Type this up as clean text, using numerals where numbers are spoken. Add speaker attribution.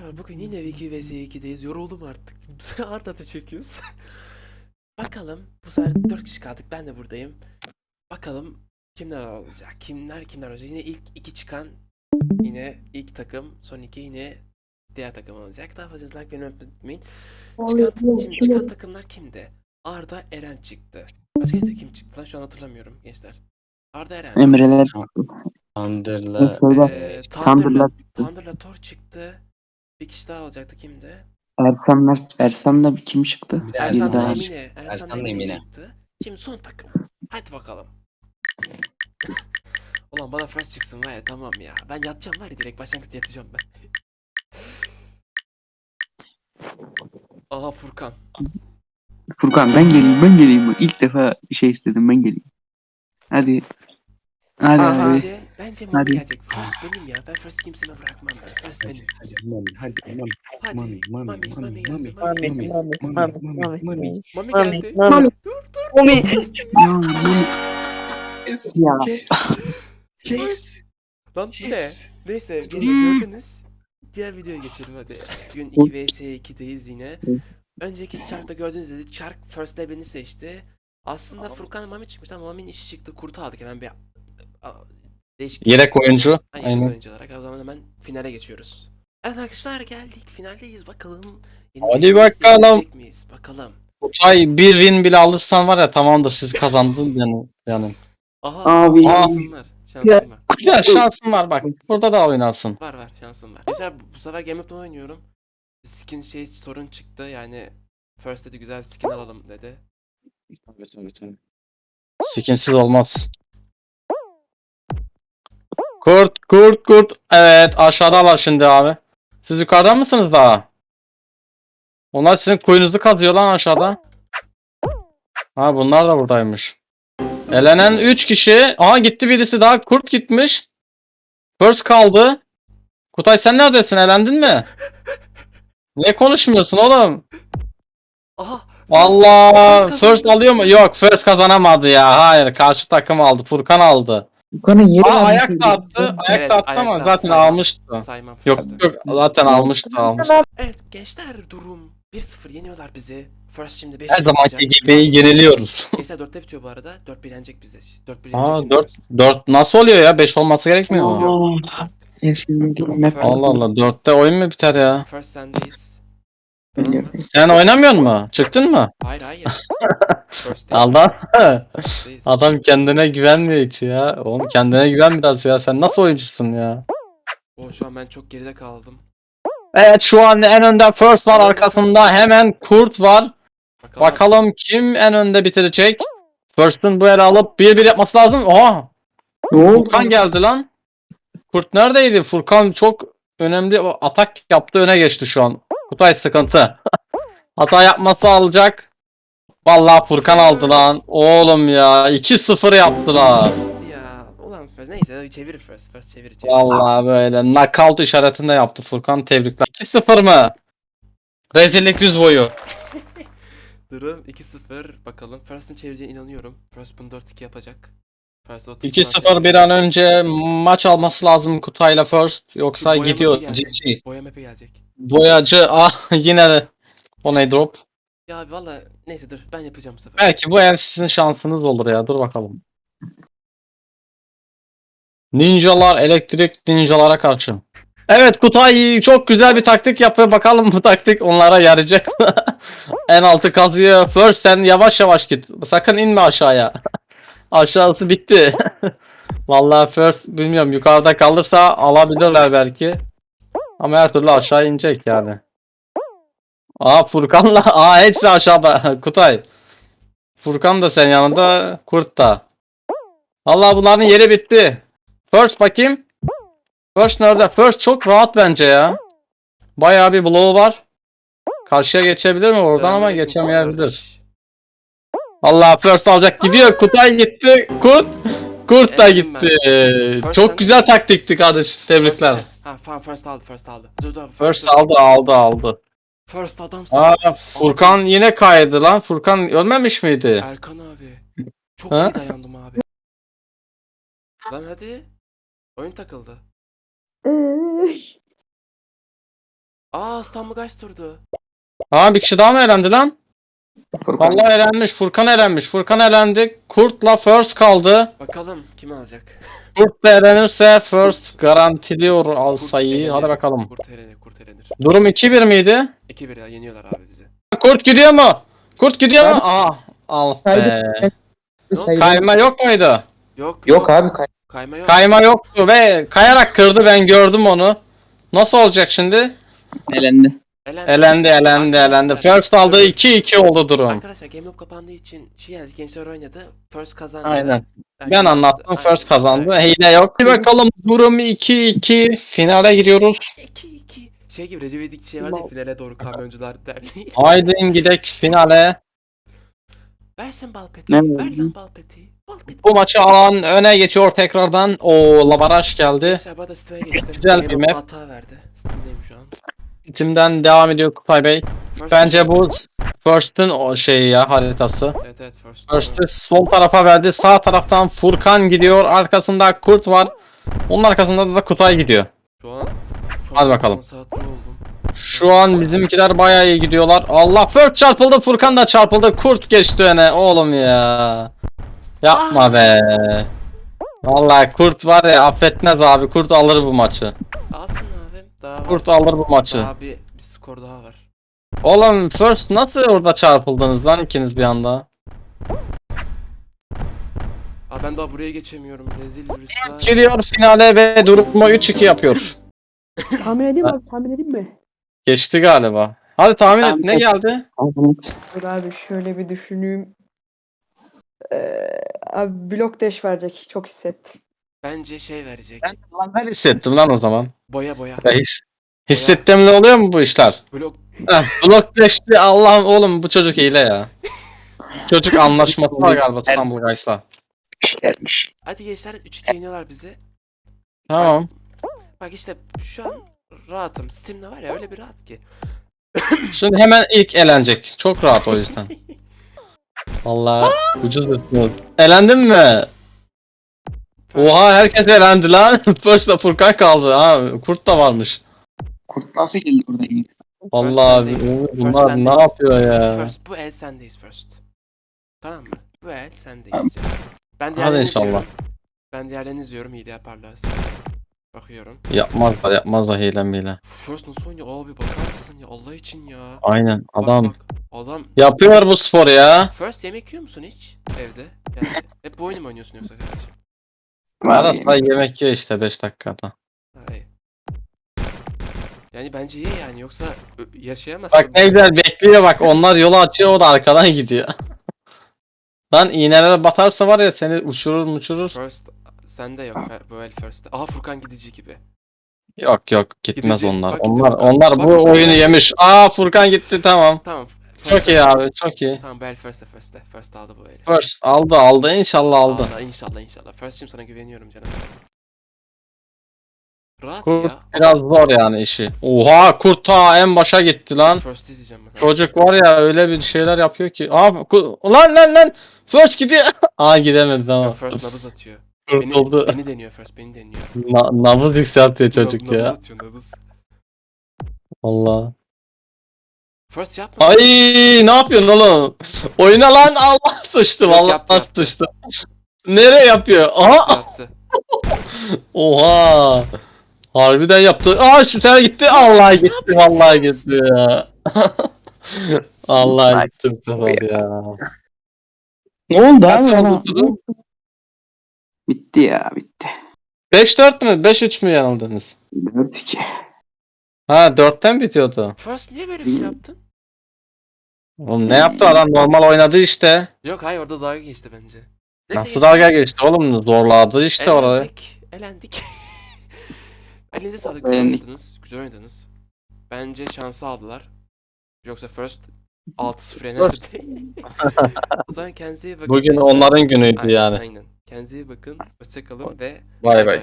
Speaker 1: Arkadaşlar bugün yine Wiki vs 2'deyiz. Yoruldum artık. Arda da çekiyoruz. Bakalım bu sefer 4 kişi kaldık. Ben de buradayım. Bakalım kimler olacak? Kimler olacak? Yine ilk 2 çıkan yine ilk takım, son 2 yine diğer takım olacak. Daha fazla like beğenmeyi unutmayın. Şimdi çıkan takımlar kimdi? Arda Eren çıktı. Başka kim çıktı lan? Şu an hatırlamıyorum gençler. Arda Eren.
Speaker 2: Emreler
Speaker 3: Thunder'la
Speaker 1: Thunder'la
Speaker 2: Thunder'la
Speaker 1: Thunder'la Thor çıktı. Bir kişi daha olacaktı kimdi?
Speaker 2: Ersan'la kim çıktı?
Speaker 3: bir de
Speaker 2: Bir
Speaker 1: Ersan'la
Speaker 2: daha.
Speaker 1: Emine. Ersan'la
Speaker 3: Ersan'la
Speaker 1: Emine
Speaker 3: Emine.
Speaker 1: çıktı. Şimdi son takım. Hadi bakalım. Ulan bana first çıksın var ya, tamam ya. Ben yatacağım var ya, direkt başlangıçta yatacağım ben. Aha Furkan.
Speaker 2: Furkan ben geleyim. İlk defa şey istedim, ben geleyim. Hadi. Hadi abi.
Speaker 1: Bence Mami
Speaker 2: Hadi.
Speaker 1: gelecek. First benim ya. Ben first kimsine bırakmam ben. First benim.
Speaker 3: Hadi Mami, hadi Mami.
Speaker 1: Hadi.
Speaker 3: Mami, Mami,
Speaker 1: Mami
Speaker 3: Mami,
Speaker 1: gelsin.
Speaker 3: Mami,
Speaker 1: Mami
Speaker 3: Mami,
Speaker 1: gelsin.
Speaker 3: Mami.
Speaker 1: Mami geldi.
Speaker 4: Mami.
Speaker 1: Dur.
Speaker 4: Mami.
Speaker 1: First.
Speaker 2: Ya, ya.
Speaker 3: Kes.
Speaker 1: Lan bu ne? Neyse gördünüz. Diğer videoya geçelim hadi. Bugün 2 vs 2'deyiz yine. Önceki çarkta gördüğünüz gibi çark first'te beni seçti. Aslında Furkan Mami çıkmıştı ama Mami'nin işi çıktı. Kurtu aldık hemen bir değişiklik.
Speaker 5: Yedek oyuncu.
Speaker 1: Yedek
Speaker 5: Aynen.
Speaker 1: oyuncu olarak. O zaman hemen finale geçiyoruz. Evet arkadaşlar geldik. Finaldeyiz bakalım.
Speaker 5: Hadi
Speaker 1: miyiz,
Speaker 5: bakalım.
Speaker 1: yenecek miyiz? Bakalım.
Speaker 5: Kutay bir win bile alırsan var ya, tamamdır, siz kazandınız yani.
Speaker 1: Aha
Speaker 2: Abi.
Speaker 1: şansım var. Şansım var.
Speaker 5: Ya şansın var bak. Burada da oynarsın.
Speaker 1: Var şansım var. Mesela bu sefer Game Loop'ta oynuyorum. Skin sorun çıktı yani. First dedi güzel bir skin alalım dedi.
Speaker 5: Skinsiz olmaz. Kurt. Evet, aşağıdalar şimdi abi. Siz yukarıda mısınız daha? Onlar sizin kuyunuzu kazıyor lan aşağıda. Ha, bunlar da buradaymış. Elenen 3 kişi. Aha, gitti birisi daha. Kurt gitmiş. First kaldı. Kutay sen neredesin? Elendin mi? Niye konuşmuyorsun oğlum?
Speaker 1: Aha!
Speaker 5: Allah,
Speaker 1: First
Speaker 5: first
Speaker 1: kazandı.
Speaker 5: alıyor mu? Yok, first kazanamadı ya. Hayır, karşı takım aldı. Furkan aldı.
Speaker 2: Furkan'ın yeri
Speaker 5: Aa,
Speaker 2: var.
Speaker 5: ayak da attı. Ayak
Speaker 1: Evet,
Speaker 5: da attı ama
Speaker 1: ayakta
Speaker 5: zaten
Speaker 1: saymam.
Speaker 5: almıştı.
Speaker 1: Saymam
Speaker 5: Yok
Speaker 1: first'ı.
Speaker 5: zaten almıştı.
Speaker 1: Evet gençler, durum 1-0 yeniyorlar bizi. First şimdi 5
Speaker 5: Her zamanki gibi yeniliyoruz.
Speaker 1: Gençler 4'te bitiyor bu arada. 4-1 yenecek bizi. 4-1 yenecek
Speaker 5: Aa,
Speaker 1: şimdi.
Speaker 5: 4 nasıl oluyor ya? 5 olması gerekmiyor mu?
Speaker 1: Yok.
Speaker 5: Allah Allah, 4'te oyun mu biter ya?
Speaker 1: First sendeyiz. Tamam mı?
Speaker 5: Sen oynamıyor mu? Çıktın mı?
Speaker 1: Hayır. First'teyiz.
Speaker 5: Adam
Speaker 1: First'teyiz.
Speaker 5: adam kendine güvenmiyor hiç ya. Oğlum kendine güven biraz ya. Sen nasıl oyuncusun ya?
Speaker 1: Şu an ben çok geride kaldım.
Speaker 5: Evet, şu an en önde First var,
Speaker 1: En önde
Speaker 5: arkasında
Speaker 1: First.
Speaker 5: hemen Kurt var.
Speaker 1: Bakalım.
Speaker 5: Bakalım kim en önde bitirecek? First'ın bu ele alıp 1-1 yapması lazım. Oha!
Speaker 2: Ne oldu?
Speaker 5: Furkan geldi lan. Kurt neredeydi? Furkan çok önemli atak yaptı, öne geçti şu an. Kutay sıkıntı. Hata yapması alacak. Vallahi Furkan aldı lan. Oğlum ya, 2-0 yaptılar.
Speaker 1: First ya. Ulan first. Neyse çevir first. First çevir.
Speaker 5: Vallahi böyle knockout işaretinde yaptı Furkan, tebrikler. 2-0 mı? Rezillik yüz boyu.
Speaker 1: Durum 2-0. Bakalım. First'ın çevireceğine inanıyorum. First bunu 4-2 yapacak. First
Speaker 5: 2-0 bir an önce maç alması lazım Kutay'la First. Yoksa
Speaker 1: Boya
Speaker 5: gidiyor.
Speaker 1: map'i gelecek.
Speaker 5: GG.
Speaker 1: Boya map'i gelecek.
Speaker 5: Boyacı yine de onay drop.
Speaker 1: Ya valla neyse dur ben yapacağım bu sefer.
Speaker 5: Belki bu el sizin şansınız olur ya. Dur bakalım. Ninjalar, elektrik ninjalara karşı. Evet, Kutay çok güzel bir taktik yapıyor. Bakalım bu taktik onlara yarayacak mı? En altı kazıyor. First sen yavaş yavaş git. Sakın inme aşağıya. Aşağısı bitti. Vallahi First bilmiyorum, yukarıda kalırsa alabilirler belki. Ama her türlü aşağı inecek yani. Furkan'la hepsi aşağıda. Kutay. Furkan da sen yanında, Kurt da. Vallahi bunların yeri bitti. First bakayım. First nerede? First çok rahat bence ya. Bayağı bir bloğu var. Karşıya geçebilir mi oradan, ama
Speaker 1: Selamünaleyküm
Speaker 5: geçemeyebilir.
Speaker 1: kardeş.
Speaker 5: Allah, First alacak, gidiyor. Kutay gitti. Kurt da
Speaker 1: Elendim
Speaker 5: gitti.
Speaker 1: First
Speaker 5: Çok
Speaker 1: sen-
Speaker 5: güzel taktikti kardeş. Tebrikler.
Speaker 1: First aldı. Dur.
Speaker 5: First aldı.
Speaker 1: First adamsın.
Speaker 5: Furkan yine kaydı lan. Furkan ölmemiş miydi?
Speaker 1: Erkan abi. Çok
Speaker 5: Ha?
Speaker 1: iyi dayandım abi. Lan hadi. Oyun takıldı. İstanbul kaç turdu?
Speaker 5: Ha bir kişi daha mı elendi lan?
Speaker 2: Furkan.
Speaker 5: Vallahi elenmiş. Furkan elenmiş. Furkan elendi. Kurt'la First kaldı.
Speaker 1: Bakalım kim alacak?
Speaker 5: Kurt da elenirse First
Speaker 1: Kurt.
Speaker 5: garantiliyor al
Speaker 1: Kurt
Speaker 5: sayıyı.
Speaker 1: elenir.
Speaker 5: Hadi bakalım.
Speaker 1: Kurt elenir, kurt elenir.
Speaker 5: Durum 2-1 miydi?
Speaker 1: 2-1 ya, yeniyorlar abi bizi.
Speaker 5: Kurt gidiyor mu? Kurt gidiyor mu?
Speaker 4: Abi-
Speaker 5: Aa, al
Speaker 4: Kaydı.
Speaker 5: be.
Speaker 4: Sayılır.
Speaker 5: Kayma yok muydu?
Speaker 1: Yok
Speaker 4: Abi
Speaker 1: kayma yok.
Speaker 5: Kayma yoktu ve kayarak kırdı, ben gördüm onu. Nasıl olacak şimdi?
Speaker 2: Elendi.
Speaker 5: Elendi.
Speaker 1: Arkadaşlar,
Speaker 5: First aldı,
Speaker 1: dur.
Speaker 5: 2-2 oldu durum.
Speaker 1: Arkadaşlar Game Loop kapandığı için yani gençler oynadı. First kazandı.
Speaker 5: Aynen. Ben
Speaker 1: Herkes-
Speaker 5: anlattım,
Speaker 1: Aynen,
Speaker 5: First kazandı.
Speaker 1: aynen.
Speaker 5: Hile yok. Bir bakalım, durum 2-2. Finale giriyoruz.
Speaker 1: 2-2. Şey gibi, Recep İvedik şey vardı ya, finale doğru Kamyoncular Derneği.
Speaker 5: Haydi gidek finale.
Speaker 1: Versin Balpeti.
Speaker 2: Ne
Speaker 1: Ver
Speaker 2: oldu?
Speaker 1: lan Balpeti. Balpeti.
Speaker 5: Bu maçı alan öne geçiyor tekrardan. O Labaraj geldi.
Speaker 1: Gençler bana Steam'e geçtim.
Speaker 5: Güzel
Speaker 1: Game
Speaker 5: bir
Speaker 1: Loop
Speaker 5: map.
Speaker 1: hata verdi. Steam'deyim şu an.
Speaker 5: Timden devam ediyor Kutay Bey.
Speaker 1: First-
Speaker 5: Bence bu First'ın o şeyi ya, haritası.
Speaker 1: Evet first.
Speaker 5: First'ı sol tarafa verdi. Sağ taraftan Furkan gidiyor. Arkasında Kurt var. Onun arkasında da Kutay gidiyor.
Speaker 1: Şu an çok
Speaker 5: Hadi bakalım.
Speaker 1: konsantre oldum.
Speaker 5: Şu an bizimkiler bayağı iyi gidiyorlar. Allah, First çarpıldı. Furkan da çarpıldı. Kurt geçti öne. Oğlum ya. Yapma be. Vallahi Kurt var ya, affetmez abi. Kurt alır bu maçı.
Speaker 1: Alsın abi. Daha var.
Speaker 5: Kurt alır bu maçı.
Speaker 1: Daha bir skor daha var.
Speaker 5: Oğlum First nasıl orada çarpıldınız lan ikiniz bir anda?
Speaker 1: Ben daha buraya geçemiyorum. Rezil bir rüsva.
Speaker 5: Giriyor finale ve durumu 3-2 yapıyor.
Speaker 6: Tahmin edeyim mi? Tahmin edeyim mi?
Speaker 5: Geçti galiba. Hadi tahmin et, ne geldi?
Speaker 6: Dur abi şöyle bir düşüneyim. Abi blok dash verecek. Çok hissettim.
Speaker 1: Bence şey verecek.
Speaker 5: Ben hissettim lan o zaman.
Speaker 1: Boya boya.
Speaker 5: Ya hissettiğimde oluyor mu bu işler?
Speaker 1: Blok.
Speaker 5: Blokleşti, Allah'ım, oğlum bu çocuk hile ya. Çocuk anlaşması var galiba İstanbul Guys'la.
Speaker 2: Gelmiş.
Speaker 1: Hadi gençler 3-2 yeniyorlar bizi.
Speaker 5: Tamam.
Speaker 1: Bak işte şu an rahatım. Steam'de var ya öyle bir rahat ki.
Speaker 5: Şimdi hemen ilk elenecek. Çok rahat o yüzden. Vallahi ucuz bir. Elendin mi? Oha, herkes elendi lan. First'la Furkan kaldı. Ha, Kurt da varmış.
Speaker 2: Kurt nasıl geldi oradan yine?
Speaker 5: Vallahi
Speaker 1: sendeyiz.
Speaker 5: bunlar
Speaker 1: First
Speaker 5: ne
Speaker 1: sendeyiz.
Speaker 5: yapıyor ya?
Speaker 1: First bu el sendeyiz first. Tamam mı? Bu el sendeyiz canım. Ben
Speaker 5: Hadi
Speaker 1: diğerlerini
Speaker 5: inşallah.
Speaker 1: izliyorum. Ben diğerlerini izliyorum, hile yaparlarsa. Bakıyorum.
Speaker 5: Yapmazlar hile.
Speaker 1: First nasıl oynuyor abi, bakar mısın ya Allah için ya.
Speaker 5: Aynen
Speaker 1: Bak,
Speaker 5: adam
Speaker 1: bak. Adam.
Speaker 5: yapıyor bu sporu ya.
Speaker 1: First yemek yiyor musun hiç evde? Yani hep bu oyunu mu oynuyorsun yoksa kardeşim?
Speaker 5: Ara sıra yemek yiyor işte 5 dakikada.
Speaker 1: Hayır. Yani bence ye yani, yoksa yaşayamazsın.
Speaker 5: Bak ne güzel bekliyor, bak onlar yolu açıyor, o da arkadan gidiyor. Lan iğnelere batarsa var ya, seni uçurur.
Speaker 1: First sende yok bu el first. Aha Furkan gidici gibi.
Speaker 5: Yok gitmez
Speaker 1: Gidici.
Speaker 5: onlar.
Speaker 1: Bak gitti
Speaker 5: Onlar
Speaker 1: Furkan.
Speaker 5: onlar
Speaker 1: Bak
Speaker 5: bu
Speaker 1: Furkan
Speaker 5: oyunu
Speaker 1: geldi.
Speaker 5: yemiş. Aa, Furkan gitti, tamam.
Speaker 1: Tamam.
Speaker 5: Çok iyi abi, çok iyi.
Speaker 1: Tamam bu el first'te. First aldı bu eli.
Speaker 5: First aldı inşallah aldı.
Speaker 1: Allah, inşallah. First'cim sana güveniyorum canım. Rahat
Speaker 5: Kurt
Speaker 1: ya.
Speaker 5: biraz zor yani işi. Oha, Kurt ta en başa gitti lan.
Speaker 1: First izleyeceğim ben.
Speaker 5: Çocuk var ya, öyle bir şeyler yapıyor ki. Aa, lan First gidiyor. Aa, gidemedi
Speaker 1: Ya
Speaker 5: tamam.
Speaker 1: first nabız atıyor.
Speaker 5: Kurtuldu.
Speaker 1: Beni deniyor first, beni deniyor.
Speaker 5: Nabız yükseltiyor çocuk
Speaker 1: Nabız
Speaker 5: ya.
Speaker 1: atıyor, nabız.
Speaker 5: Allah.
Speaker 1: First yapma.
Speaker 5: Ay, ne yapıyorsun oğlum? Oyna lan, Allah sıçtı
Speaker 1: Yok,
Speaker 5: vallahi
Speaker 1: yaptı.
Speaker 5: sıçtı. Nereye yapıyor? Aha,
Speaker 1: Yaptı.
Speaker 5: oha. Harbiden yaptı. Aa, şu tane gitti. Allah gitti, vallahi gitti ya. Allah gitti bu sefer ya.
Speaker 2: Ne oldu
Speaker 5: Kaç
Speaker 2: abi
Speaker 5: oldu
Speaker 2: bana?
Speaker 5: durum?
Speaker 2: Bitti ya bitti.
Speaker 5: 5-4 mü? 5-3 mü yanıldınız?
Speaker 2: 4-2.
Speaker 5: Ha, 4'ten bitiyordu.
Speaker 1: First niye böyle bir şey yaptın?
Speaker 5: Oğlum ne yaptı adam, normal oynadı işte.
Speaker 1: Yok hayır, orada dalga geçti bence. Neyse,
Speaker 5: Nasıl dalga geçti oğlum, zorladı işte orayı.
Speaker 1: Elendik. Elinize sağlık,
Speaker 2: Elendik.
Speaker 1: güzel oynadınız. Bence şansı aldılar. Yoksa first 6-0 yenerdi. O zaman kendinize iyi bakın.
Speaker 5: Bugün
Speaker 1: gençler.
Speaker 5: onların günüydü
Speaker 1: Aynen,
Speaker 5: yani.
Speaker 1: Aynen. Kendinize iyi bakın. Hoşçakalın ve
Speaker 5: Bay bay.